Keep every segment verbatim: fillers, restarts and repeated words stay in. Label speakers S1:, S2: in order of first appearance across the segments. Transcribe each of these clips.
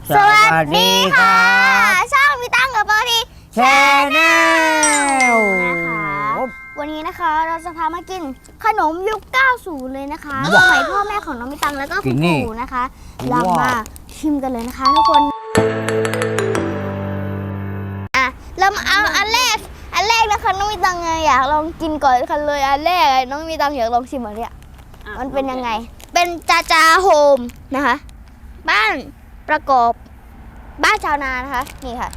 S1: สวัสดีค่ะช่องมีตังกับเบอร์ดีแชนแนลนะคะวันนี้นะคะเราจะพามากินขนมยุคเก้าสิบเลยนะคะสมัยพ่อแม่ของน้องมีตังแล้วก็คุณปู่นะคะเรามาชิมกันเลยนะคะทุกคนอ่ะเรามาเอาอันแรกอันแรกนะคะน้องมีตังอยากลองกินก่อนกันเลยอันแรกน้องมีตังอยากลองชิมอันเนี้ยมันเป็นยังไงเป็นจาจาโฮมนะคะบ้านประกอบบ้านชาวนานะคะนี่ค่ะ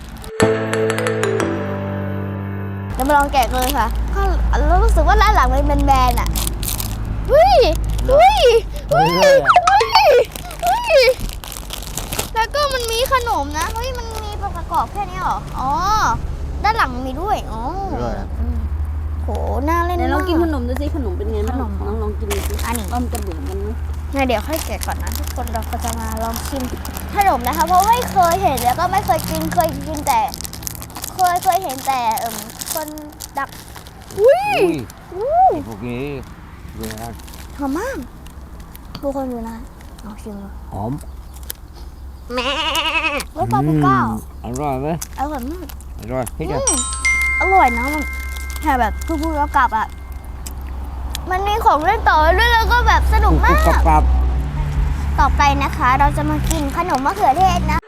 S1: จะมาลองแกะเลยค่ะเรารู้สึกว่าร้านหลังมันเป็นแบรนด์อ่ะเฮ้ยเฮ้ยเฮ้ยเฮ้ยเฮ้ยแล้วก็มันมีขนมนะเฮ้ยมันมีประกอบแค่นี้หรออ๋อด้านหลังมีด้วยอ๋อโหน่าเล่นมาก
S2: ลองกินขนมดูสิขนมเป็นไงบ้างลองลองกินดูสิ
S1: อันนี้
S2: มันจะเหมือนกันไหม
S1: งั้นเดี๋ยวค่อยแกะก่อนนะทุกคนเราก็จะมาลองชิมขนมนะคะเพราะไม่เคยเห็นแล้วก็ไม่เคยกินเคยกินแต่เคยเคยเห็นแต่เอ่อคนดักอุ้ยอู้
S3: พวกนี้
S1: หอมมากทุกคนดูนะลองชิมดู
S3: หอม
S1: แม่รสปาปริก้า
S3: อร่อยไหม
S1: อร่อยมาก
S3: อร่อยพี่จ๋า
S1: อร่อยนะมันแค่แบบพูดๆแล้วกลับอ่ะมันมีของเล่นต่อด้วยแล้วก็แบบสนุกมากต่อไปนะคะเราจะมากินขนมมะเขือเทศนะ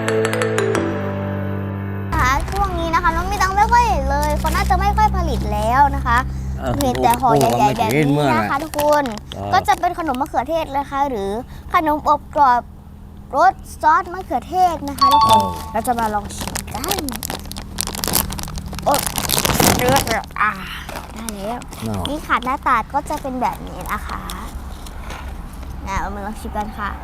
S1: นะคะช่วงนี้นะคะน้องมีตังไม่ค่อยเห็นเลยเขาน่าจะไม่ค่อยผลิตแล้วนะคะเห็นแต่ห่อใหญ่ๆแบบนี้นะคะทุกคนก็จะเป็นขนมมะเขือเทศนะคะหรือขนมอบกรอบรสซอสมะเขือเทศนะคะทุกคนเราจะมาลองชิมกันโอ้เลือดอ่ะได้แล้วนี่ค่ะหน้าตาก็จะเป็นแบบนี้นะคะนะเอามาลองชิมกันค่ะ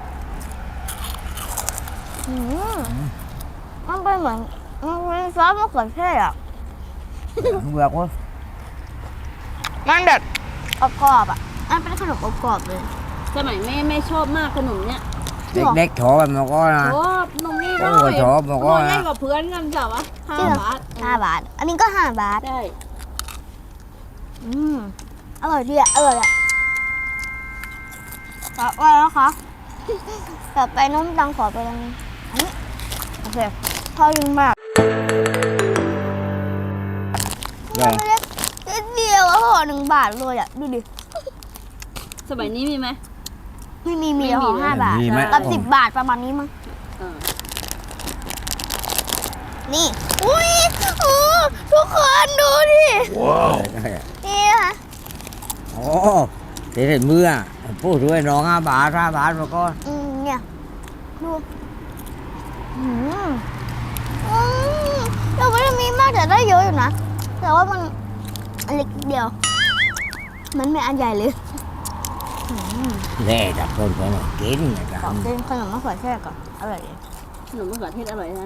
S1: อืมมันเป็นเหมือนมันเป็นซอสมะเขือเทศอ่ะ
S3: แบบว่า
S1: มันแบบกรอบๆอ่ะมันเป็นขนมกรอบๆเลย
S2: สมัยแม่แม่ชอบมากขนมเนี้ย
S3: เด็กๆชอบแบบมันก็นะ
S2: ชอบนมนี่
S3: ด้วยชอบมันก็
S2: นะกับเพื่อนกันจ้ะวะห้าบาท
S1: ห้าบาทอันนี้ก็ห้าบาท
S2: ได้
S1: อืมอร่อยดีอ่ะอร่อยอ่ะต่อไปนะคะต่อไปน้องตังขอไปตรงนี้อันนี้โอเคพอยิ่งมากมันเล็กนิดเดียวห่อหนึ่งบาทเลยอ่ะดูดิ
S2: สมัยนี้มีไหม
S1: ไม่มีมีห่อห้าบาทกับสิบบาทประมาณนี้มั้งนี่อุ้ยทุกคนดูดิ
S3: ว้าว
S1: นี่ค่ะ
S3: โอ้เด็ดมือพูดด้วยน้องห้าบาทห้าบาทมาก็
S1: อืมเนี่ยดูอืมอืมเราไม่ได้มีมากแต่ได้เยอะอยู่นะแต่ว่ามันเล็กเดียวมันไม่อันใหญ่เลย
S3: แน่จากคนคนกินนะครับ
S1: กินขนมมะเขือเทศก่อนอร่อย
S2: ขนมมะเขือเทศอร่อยนะ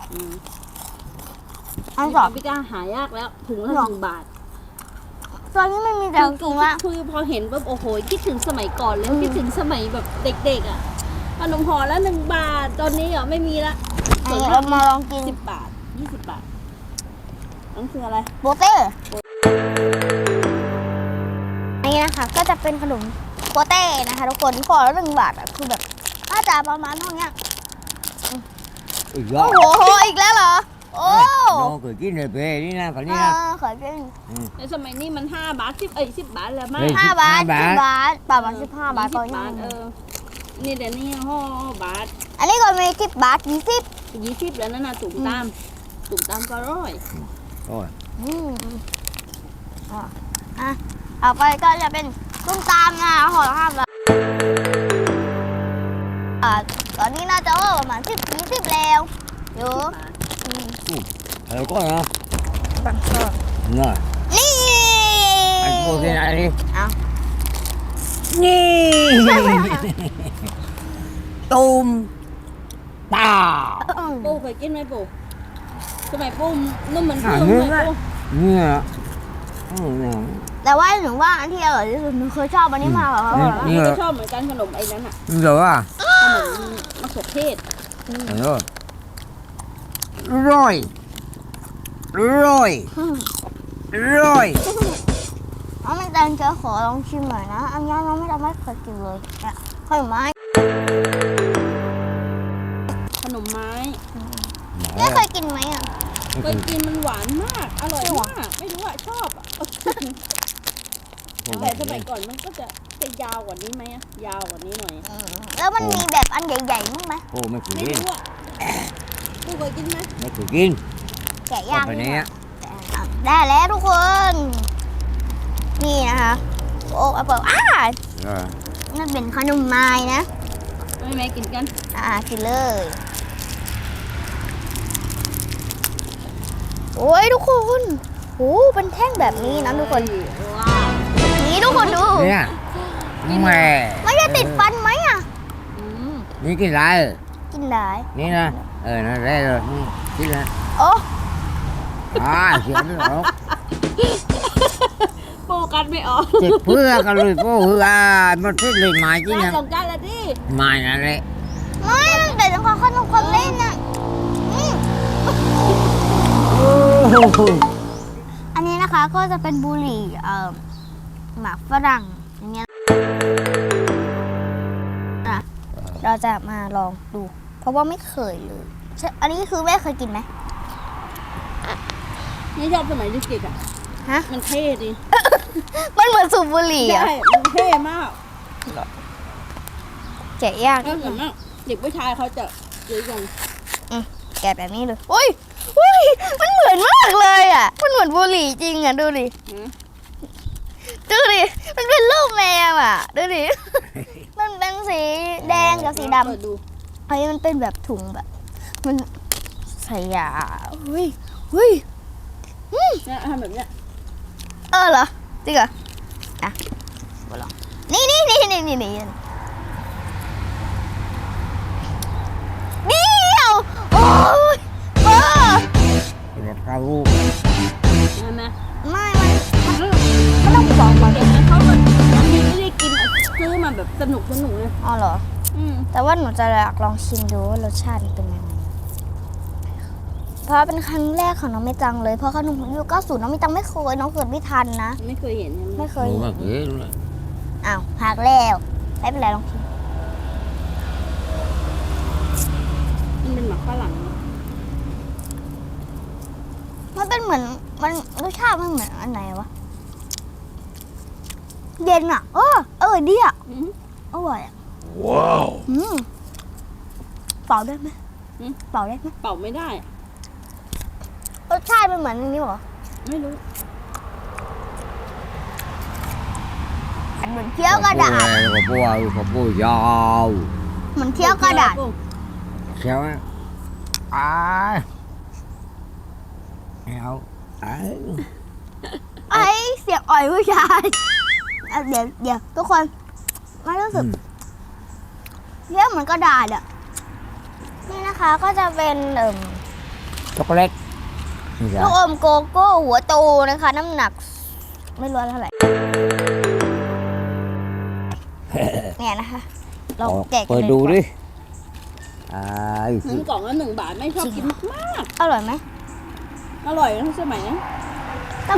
S1: อันสอง
S2: พี่ก้าหายากแล้วถึงละหนึ่งบาท
S1: ตอนนี้ไม่มีแต่ถุงละ
S2: คือพอเห็นแบบโอ้โหคิดถึงสมัยก่อนเลยคิดถึงสมัยแบบเด็กๆอ่ะขนมห่อละหนึ่งบาทตอนนี้อ่ะไม่มีละ
S1: เรามาลองกิน
S2: สิบบาทยี่สิบบาทนั่นคืออะไร
S1: โบเต้นี่นะคะก็จะเป็นขนมโบเต้นะคะทุกคนห่อละหนึ่งบาทอ่ะคือแบบน่าจะประมาณเท่านี้โอ้โหอีกแล้วเหรอโอ้
S3: น้องเคยกินเลยเป้นี่นะคนนี้นะ
S1: เคยกิน
S2: ในสมัยนี้มันห้าบาทสิบเอ้ยสิบบาทแล้วมั้ง
S1: ห้าบาทสิบบาทประมาณสิบห้าบาทตอนนี้
S2: เออนี่เดี๋ยวนี้ห่อบาท
S1: อันนี้ก็มีสิบบาทยี่สิบ
S2: ยี่สิบแล้วนั่นน่ะตุ่มตามตุ่มตามก็ร้อย
S3: โอ้ย
S1: อืมอ่ะต่อไปก็จะเป็นตุ่มตามนะห่อละห้าบาทตอนนี้น่าจะว่าประมาณสิบยี่สิบแล้วเยอะ
S3: แล้วก็นะ
S1: บังเกอร์
S3: น่ะ
S1: นี่
S3: ไอ้พวกนี้อะไร
S1: เอา
S3: นี่ตูมตา
S2: ปูเคยกินไหมปูสมัยปูนุ่มเหมือนปูไหมปู
S3: เนี่ย
S1: แต่ว่าหนูว่าอันที่อร่อยที่สุดหนูเคยชอบอันนี้มากกว่าเพราะว่า
S2: นี่ก็ชอบเหมือนกันขนมไอ้นั้นอ่ะ
S3: เดี๋ยวว่า
S2: ขนมมะเขือเทศ
S3: ร่อยร่อยร่อย
S1: น้องไม่ตังจะขอลองชิมหน่อยนะอันนี้น้องไม่ทำไม่เคยกินเลยเนี่ยขนมไม้
S2: ขนมไม้
S1: แม่เคยกินไหมอ่ะ
S2: เคยกินมันหวานมาก อร่อยมาก ไม่รู้อะชอบอะแต่สมัยก่อนมันก็จะจะยาวกว่านี้ไหมอะยาวกว่านี้หน่อย
S1: แล้วมันมีแบบอันใหญ่ๆมั้งไหม
S3: โอ้ไม่เคย
S2: ไม่
S3: กิน
S2: รู้อะกูเคยกินไหม
S3: ไม่เคยกิน
S1: แกะย่าง
S3: ไป
S1: นี่
S3: เนี้ย
S1: ได้แล้วทุกคน นี่นะคะโอ้เอาเปิดอ้า
S3: เออ
S1: นั่นเป็นขนมไม้นะ
S2: ไม่แม่กินกัน
S1: อ่ากินเลย โอ้ยทุกคนโอ้เป็นแท่งแบบนี้นะทุกคน
S2: ว้าว
S1: นี่ทุกคนดู
S3: เนี่ยแม่
S1: ไม่จะติดฟันไหมอ่ะ
S2: อืม
S3: นี่กินอะไร
S1: กินได้
S3: นี่นะเออนั่นได้เลยนี่กินนะ
S1: โอ้
S3: อ่าเสียไม่ออก
S2: โปกันไม่ออก
S3: เจ็บเพื่อกันเลยโอ้เอ่ามันเป็นเลยไม้จริง
S2: ร้าน
S3: นะ
S2: สงกรารละดิ
S3: ไม้นั่นแหละ
S1: ไม่มันเป็นของขนมคนเล่นน่ะอืม
S3: โอ้โห
S1: อันนี้นะคะก็จะเป็นบุหรี่เอ่อหมากฝรั่งอย่างเงี้ยนะเราจะมาลองดู เพราะว่าไม่เคยเลยใช่อันนี้คือแม่เคยกินไหม
S2: นี่ชอบสมัยเด็กๆอ่ะ
S1: ฮะ
S2: มันเท่ดิ
S1: มันเหมือนสูบบุหรี่อะ
S2: ใช่มันเท่มาก
S1: แกะยาก
S2: แล้วส่วนมากเด็กผู้ชายเขาจะซื้อกัน
S1: แกะแบบนี้เลยอุ้ยอุ้ยมันเหมือนมากเลยอ่ะ มันเหมือนบุหรี่จริงอ่ะดูดิ
S2: นะ
S1: ดูดิ มันเป็นรูปแมวอ่ะ ดูดิ มันเป็นสีแดงกับสีด
S2: เปิดดู
S1: ำไอ้มันเป็นแบบถุงแบบ มันใส่ยาเฮ้ยเฮ้ย
S2: เนี่ยทำแบบเนี้ย
S1: เออเหรอจริงเหรออ่ะมาลองนี่นี่นี่นี่นี่นี่เดียวโอ้ยเออ
S3: กินแบบข้าว
S2: ใช่ไหม
S1: ไม่มันมันมันต้องสองมา
S2: เด็กนั้นเขาแบบบางทีไม่ได้กินอะซื้อมาแบบสนุกสนุกเลย
S1: อ๋อเหรอ
S2: อืม
S1: แต่ว่าหนูจะอยากลองชิมดูว่ารสชาติมันเป็นยังไง เพราะเป็นครั้งแรกของน้องไม่จังเลย เพราะขนมยุคเก้าสิบน้องไม่จังไม่เคย น้องเกิดไม่ทันนะ
S2: ไม่เคยเห็นใช่ไหม
S1: ไม่เค
S3: โอ้
S1: ย
S3: ไม่เคยเลย
S1: อ้าวหักแล้วไม่เป็นไรลองชิม
S2: มันเป็นหมักฝรั่งนะ
S1: มันเป็นเหมือนมันรสชาติมันเหมือนอันไหนวะ เย็นอ่ะ เออเออดีอ่ะ
S2: อืม
S1: อร่อยอ่ะ
S3: ว้าว
S1: อืมเป่าได้ไหม
S2: อืม
S1: เป่าได้ไหม
S2: เป่าไม่ได้
S1: รสชาติมันเหมือนอันนี้เหรอ
S2: ไม่รู้
S1: เหมือนเคี้ยวกระดาษ
S3: แล้วก็ปูก็ปูยาว
S1: เหมือนเคี้ยวกระดาษ
S3: เขียวอ่ะอ้าเอาอ้า
S1: ไอ้เสียงอ่อยผู้ชายอ่ะเดี๋ยวเดี๋ยวทุกคนมารู้สึกเรียกเหมือนกระดาษอ่ะ นี่นะคะก็จะเป็นเอ่ม
S3: ช็อกโกแลตนี่จ้ะ
S1: ลูกอมโกโก้หัวโตนะคะ น้ำหนัก ไม่รู้เท่าไหร่ เนี่ยนะคะ เราแกะกัน
S3: เปิด
S1: เลย
S3: ดู
S1: กว่า
S3: ดิอ้า
S2: หนึ่งกล่องละหนึ่งบาทไม่ชอบกินมาก
S1: อร่อยไหม
S2: ๆอร่อยทั้งสมัยนะ
S1: ต้อง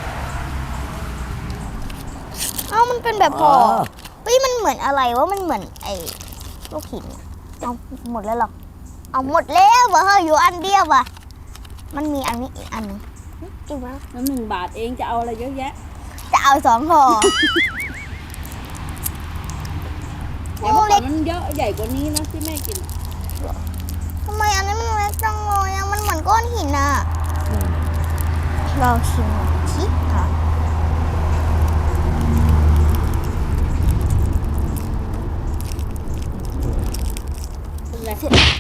S1: เอ้ามันเป็นแบบพอเฮ้ยมันเหมือนอะไรวะมันเหมือนไอ้ลูกหินอะเอาหมดแล้วเหรอเอาหมดแล้วเหรอเฮ้ยอยู่อันเดียวอ่ะมันมีอันนี้อีกอันหนึงจริงไหม
S2: แล้วหนึ่งบาทเองจะเอาอะไรเยอะแยะ
S1: จะเอาสองห่อ
S2: แต่เมื่อก่อนมันเยอะใหญ่กว่านี้นะที่แม่กิน
S1: ทำไมอันนี้มันเล็กจังเลยอะมันเหมือนก้อนหินอ่ะเราชิมหน่อยชิค่ะ
S2: เป็นไร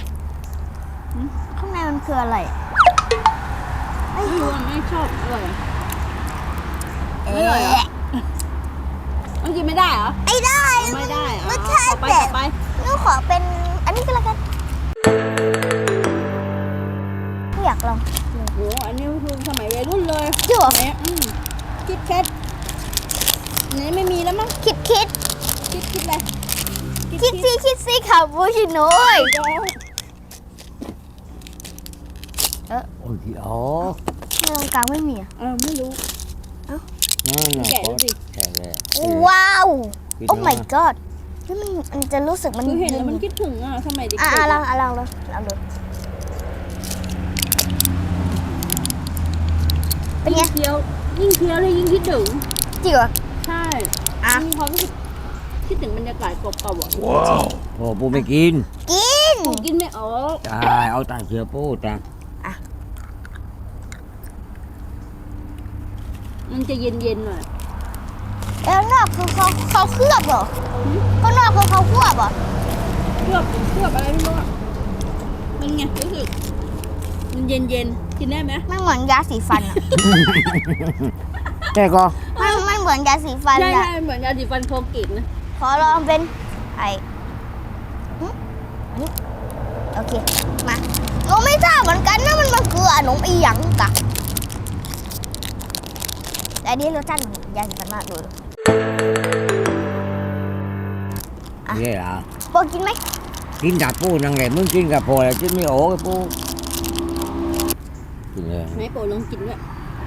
S1: ข้างในมันคืออะไรอะ
S2: ไม่รู้อะไม่ชอบอร่อยอะ
S1: เอ๊
S2: ไม่อร่อยเหรอ
S1: ะ
S2: มันกินไม่ได้เหรอ
S1: ไม่ได้
S2: ไม่ได้อะ
S1: รสชา
S2: ต่อ
S1: ติ
S2: ไป
S1: แบ
S2: ต่
S1: บ
S2: อไป
S1: หนูขอเป็นอันนี้ก็แล้วกันไม่อยากลอง
S2: โอ้โหอันนี้คือสมัยวัยรุ่นเลย
S1: จริงเหรอ
S2: สมัยอืมคิดแคทอันนี้ไม่มีแล้วมั้ง
S1: คิดคิด
S2: คิดคิดอะไร
S1: คิดซี่คิดซี่คาปูชิโน่ย
S2: เดี๋ยว
S3: โอ้ยอ๋อ
S1: ในตรงกลางไม่มีอะ
S2: เออไม่รู้
S3: นั่นน่ะ
S2: แกะดูสิ
S3: แกะเลย
S1: ว้าว
S3: คิด
S1: โอ้
S3: ว่า
S1: my god นที่มันมันจะรู้สึกมัน
S2: คือเห็นแล้วมันคิดถึงอ่ะสมัยเด็กๆ
S1: อ่ะ
S2: อะ
S1: อ่ะลองอ่ะลองดูลองดูเป็นไง
S2: ยิ่งเคี้ยวยิ่งเคี้ยวเลยยิ่งคิดถึง
S1: จริงเหรอ
S2: ใช่
S1: อ่ะ
S2: มีความรู้สึกคิดถึงบรรยากาศเก่าๆอ่ะ
S3: โอ้ปูไม่กิน
S1: กิน
S2: ปูกินไม่ออก
S3: ใช่เอาแต่เชือปูแต่
S2: มันจะเย็นๆหน่อย
S1: แล้วนอกคือเขาเขาเคลือบเหรอข้างนอกคือเขาเคลือบเหรอ
S2: เคลือบเคลือบอะไรไม่รู้อ่ะมันไงรู้สึกมันเย็นๆกินได้ไหม
S1: มันเหมือนยาสีฟันอ่ะ
S3: แต่ก็
S1: มันมันเหมือนยาสีฟัน
S2: ใช่
S1: อ่ะ
S2: ใช่เหมือนยาสีฟันโคเกตนะ
S1: ขอลองเป็นไอหึอันนี้โอเคมาเราไม่ทราบเหมือนกันนะมันมันคือขนมอีหยังกะแต่อันนี้รสชาติเหมือนยาสีฟันมากเลย อ่ะ
S3: นี่ล่ะ
S1: โปกินไหม
S3: กินกับปูนั่งไงมึงกินกับพอแล้วกินไม่โอ้กับปูกินเลย
S2: ไหนโปรลองกินด้วย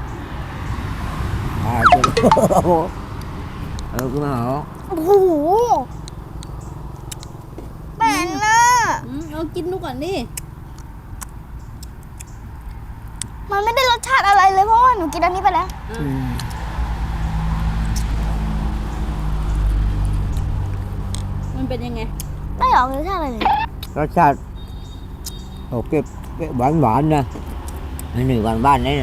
S3: อ่ากินเออกูมาเหรอ
S1: โอ้โหแปลนน่ะ
S2: อืมเอากินดูก่อนดิ
S1: มันไม่ได้รสชาติอะไรเลยเพราะว่าหนูกินอันนี้ไปแล้ว
S2: อ่ะ
S3: อืม
S2: มันเป็นยังไง
S1: ไม่ออกรสชาติอะไรเลย
S3: รสชาติโอเคหวานหวานๆนะไม่หนึ่งหวานบ้านนี่นะ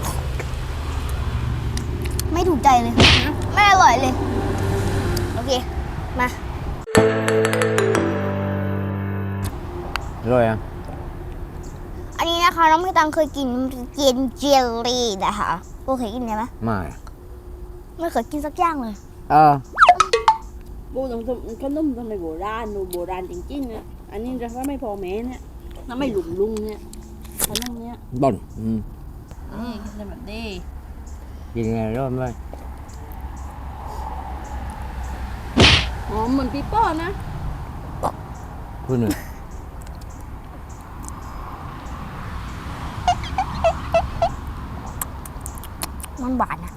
S1: ไม่ถูกใจเลยไม่อร่อยเลย โอเค มา
S3: อร่อยอ่ะ
S1: อันนี้นะคะน้องพี่ตังเคยกินเจนเจลลี่นะคะโบเคยกินไหม
S3: ไม่
S1: ไม่เคยกินสักอย่างเลย
S3: เออ
S2: ปูต้องขนมทำไมโบราณดูโบราณจริงๆนะอันนี้จะว่าไม่พอแม้เนี่ยน้ำไม่หลุมลุงเนี่ยขนมเนี้ย
S3: บ่นอืม
S2: นี่กินได้แบบนี้
S3: กินไงร้อนไหม
S2: หอมเหมือนปีโป้นะ
S3: คุณหนึ่ง
S1: มันหวานนะ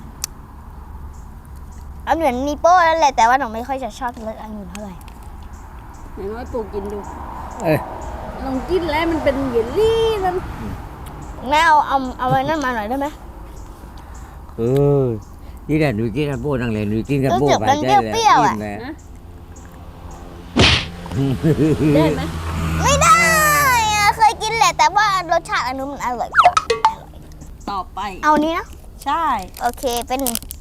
S1: เอาเหมือนมีโป้แล้วแหละแต่ว่าหนูไม่ค่อยจะชอบรสองุ่นเท่าไหร่
S2: อย่างน้อยปูกินดู
S3: เอ้ย
S2: ลองกินแล้วมันเป็นเยลลี่นั่น
S1: แม่เอาเอาเอาไว้นั่นมาหน่อยได้ไหม
S3: เออนี่แหละหนูกินกับปูนั่งเลยหนูกินกับปู
S1: รู้สึก
S3: ไป
S1: มัน
S3: ได้
S1: เปรี้ยวๆอะ
S3: กินแหล
S2: นะได้ไหม
S1: ไม่ได้อะเคยกินแหละแต่ว่ารสชาติอันนู้นมันอร่อยกว่า
S2: ต่อไป
S1: เอานี้นะ
S2: ใช่
S1: โอเคเป็น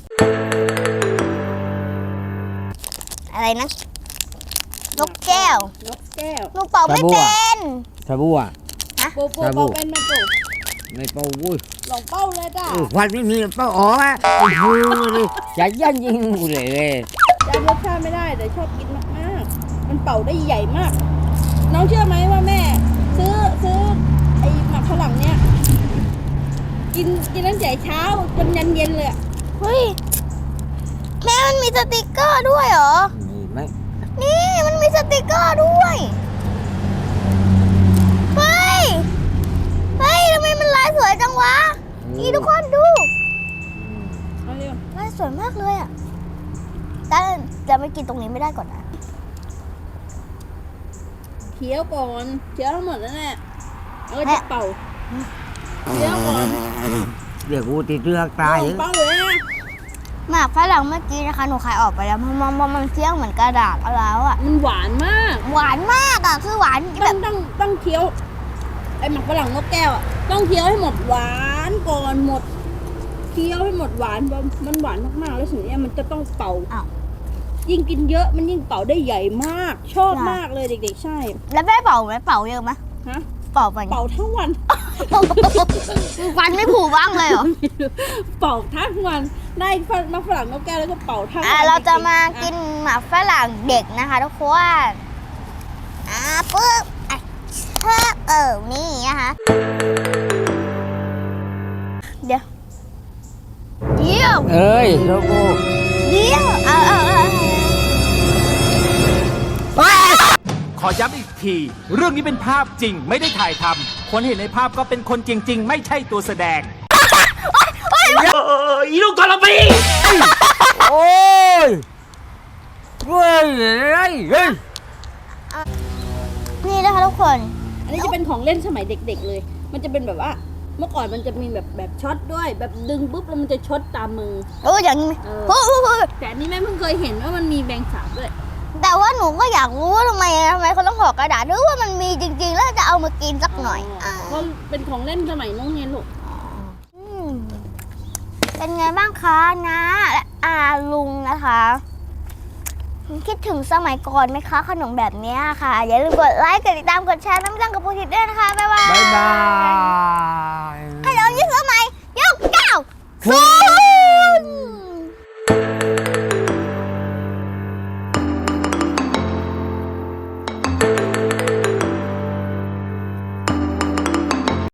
S1: อะไรนะ นกแก้ว
S2: นกแก้ว
S1: หนูเป่าไม่เป็น
S3: ชาบูอ่ะ
S2: ปูปู
S3: ครับ
S2: เป่า
S3: ผม
S2: เป็นไหมปู
S3: ไม่เป่าวุ้ย
S2: ลองเป้าเลยจ้ะ
S3: เออควันไม่มีเป่าอ๋ออ่ะโอ้โหดิใจยันยิงกูเลยเลย
S2: จำรสชาติไม่ได้แต่ชอบกินมากๆมันเป่าได้ใหญ่มาก น้องเชื่อไหมว่าแม่ ซื้อซื้อไอ้หมักฝรั่งเนี่ยกินกินตั้งแต่เช้าจนยันเย็นเลยอะ
S1: เฮ้ยแม่มันมีสติกเกอร์ด้วยเหรอ
S3: มีไหม
S1: นี่มันมีสติกเกอร์ด้วย เฮ้ย เฮ้ยทำไมมันลายสวยจังวะ นี่ทุกคนดู
S2: เอาเร็ว
S1: ลายสวยมากเลยอ่ะแต่จะไม่กินตรงนี้ไม่ได้ก่อนนะ
S2: เคี้ยวก่อนเคี้ยวทั้งหมดแล้วแหละแล้วก็จะเป่าเคี้ยวก่อน
S3: เดี๋ยวกูติดเลือกตาย
S2: ลองเป่าเลยนะ
S1: หมากฝรั่งเมื่อกี้นะคะหนูขายออกไปแล้วเพราะมันเพราะมันเคี้ยวเหมือนกระดาษแล้วอ่ะ
S2: มันหวานมาก
S1: หวานมากอ่ะคือหวานแบ
S2: ต้อบ งต้องต้องเคี้ยวไอ้หมักฝรั่งนกแก้วอะต้องเคี้ยวให้หมดหวานก่อนหมดเคี้ยวให้หมดหวานมันหวานมากๆแล้วสิ่งนี้มันจะต้องเป่า
S1: อ้าว
S2: ยิ่งกินเยอะมันยิ่งเป่าได้ใหญ่มาก ชอบมากเลยเด็กๆใช่
S1: แล้วแม่เป่าไหมเป่าเยอะไหม
S2: ฮะ
S1: เป่าไป
S2: เป่าทั้งวัน
S1: ฟันไม่ผูบ้างเลยเหรอ
S2: เป่าทั้งวันได้มะฝรั่งนกแก้วแล้วก็เป่าทั้งวั
S1: อ่ะ
S2: น
S1: เราจะมา
S2: ด็ๆ
S1: กินหมากฝรั่งเด็กนะคะทุกคนอ่ะปึ๊บอ่ะเชิบเออนี่นะคะเดี๋ยวเดี๋ยว
S3: เอ้ยโลโก้
S1: เดี๋ยวเอาเอาเอา
S4: ขอย้ำอีกที เรื่องนี้เป็นภาพจริงไม่ได้ถ่ายทำคนเห็นในภาพก็เป็นคนจริง ๆ ไม่ใช่ตัวแสดงอีลูกกระปี
S3: โอ้ยเฮ้ยเฮ้ยเฮ้ย
S1: นี่นะคะทุกคน
S2: อันนี้จะเป็นของเล่นสมัยเด็ก ๆ เลย มันจะเป็นแบบว่า เมื่อก่อนมันจะมีแบบแบบช็อตด้วย แบบดึงปุ๊บแล้วมันจะช็อตตามมือ
S1: โอ้อย่างนี้ไหม
S2: เออ
S1: โอ้โห
S2: แต่อันนี้แม่เพิ่งเคยเห็นว่ามันมีแบงสาบด้วย
S1: แต่ว่าหนูก็อยากรู้ว่าทำไมทำไมเขาต้องห่อกระดาษหรือว่ามันมีจริงๆ แล้วจะเอามากินสักหน่อยอ่า
S2: เพราะเป็นของเล่นสมัยน้องเนียนลูก
S1: อืมเป็นไงบ้างคะนะและอาลุงนะคะคิดถึงสมัยก่อนไหมคะขนมแบบเนี้ยค่ะ อย่าลืมกดไลค์กดติดตามกดแชร์น้ำจังกับปูทิดด้วยนะคะบ๊ายบาย
S3: บ๊ายบาย
S1: ขนมยี่สมัยยกเก้าสู้